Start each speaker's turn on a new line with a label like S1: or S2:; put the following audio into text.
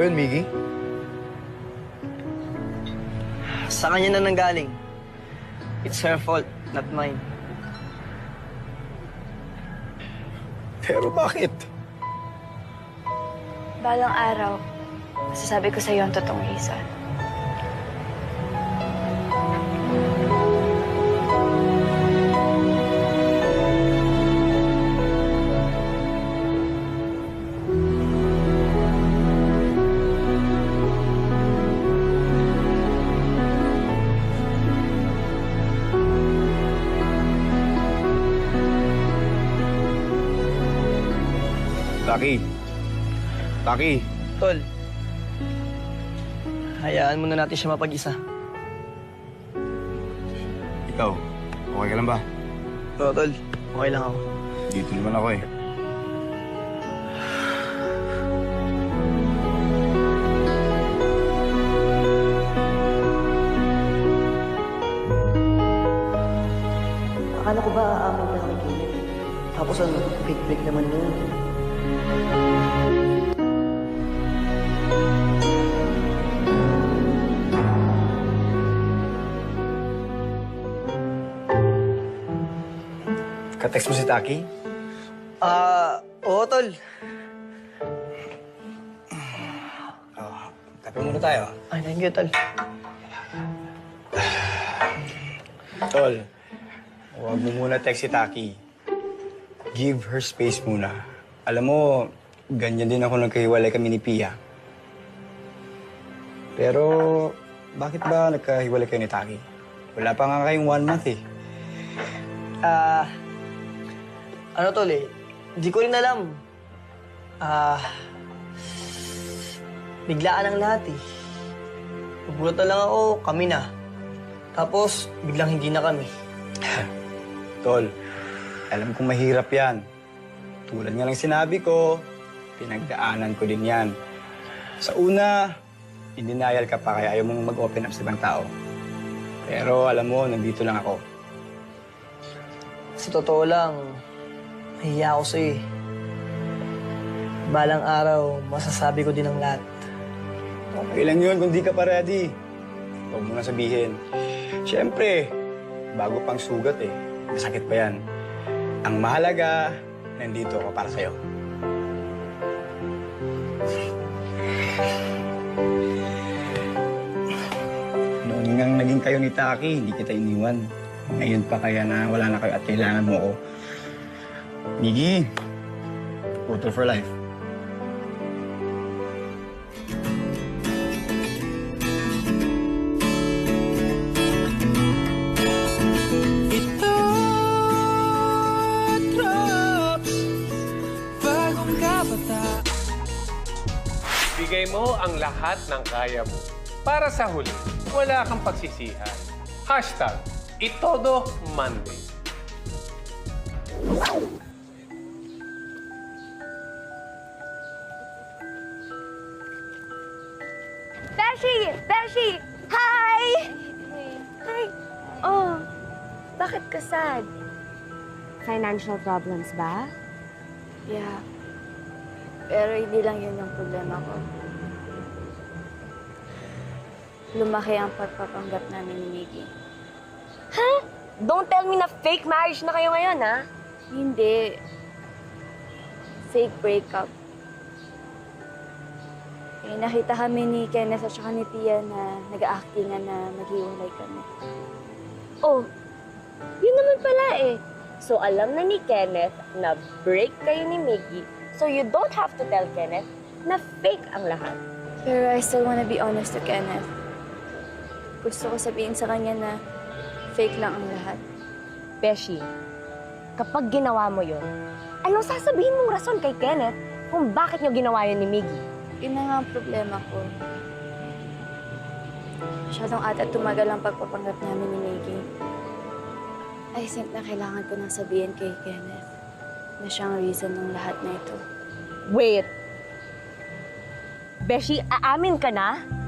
S1: ba yun, Miggy?
S2: Sa kanya na nanggaling. It's her fault, not mine.
S1: Pero bakit?
S3: Balang araw, masasabi ko sa'yo ang totoong reason.
S1: Taki. Taki.
S2: Tol, hayaan muna natin siya mapag-isa.
S1: Ikaw, okay ka lang ba?
S2: Oo, Tol. Okay lang ako.
S1: Dito naman ako eh.
S2: Akala ko ba aamin ka kay Kenneth? Tapos ano, fake break naman yun.
S1: Ka-text mo si Taki?
S2: Oo, Tol.
S1: Tabi muna tayo.
S2: Ay, thank you, Tol.
S1: Tol, huwag mo muna text si Taki. Give her space muna. Alam mo, ganyan din ako nagkahiwalay kami ni Pia. Pero, bakit ba nagkahiwalay kayo ni Taki? Wala pa nga kayong 1 month eh.
S2: Ano, Tol eh? Hindi ko rin alam. Biglaan ang lahat eh. Nagulat na lang ako, kami na. Tapos, biglang hindi na kami.
S1: Tol, alam kong mahirap yan. Tulad nga ng sinabi ko, pinagdaanan ko din yan. Sa una, in denial ka pa kaya ayaw mong mag-open up sa ibang tao. Pero alam mo, nandito lang ako.
S2: Sa totoo lang, nahiya ako sa'yo eh. Balang araw, masasabi ko din ang lahat.
S1: Okay lang yun kung di ka pa ready. Huwag mo na sabihin. Siyempre, bago pang sugat eh. Masakit pa yan. Ang mahalaga, nandito ako para sa'yo. Noon nga naging kayo ni Taki, hindi kita iniwan. Ngayon pa kaya na wala na kayo at kailangan mo ko. Miggy, photo for life.
S4: Ito drops bagong kabata.
S5: Bigay mo ang lahat ng kaya mo. Para sa huli, wala kang pagsisihan. Hashtag, Itodo Monday.
S3: Beshi! Beshi! Hi! Hi! Oh, bakit ka sad?
S6: Financial problems ba?
S3: Yeah. Pero hindi lang yun yung problema ko. Lumaki ang pagpapanggap namin ni Miggy.
S6: Huh? Don't tell me na fake marriage na kayo ngayon, ha?
S3: Hindi. Fake breakup. Eh, nakita kami ni Kenneth at saka ni Tia na nag-aactingan na maghiwalay kami.
S6: Oh, yun naman pala eh. So alam na ni Kenneth na break kayo ni Miggy, so you don't have to tell Kenneth na fake ang lahat.
S3: Pero I still wanna be honest to Kenneth. Gusto ko sabihin sa kanya na fake lang ang lahat.
S6: Beshi, kapag ginawa mo yun, anong sasabihin mong rason kay Kenneth kung bakit nyo ginawa yun ni Miggy?
S3: Yun na nga ang problema ko. Masyadong ata tumagal ang pagpapanggap namin ni Miggy. I think na kailangan ko nang sabihin kay Kenneth na siyang reason ng lahat na ito.
S6: Wait! Beshi, aamin ka na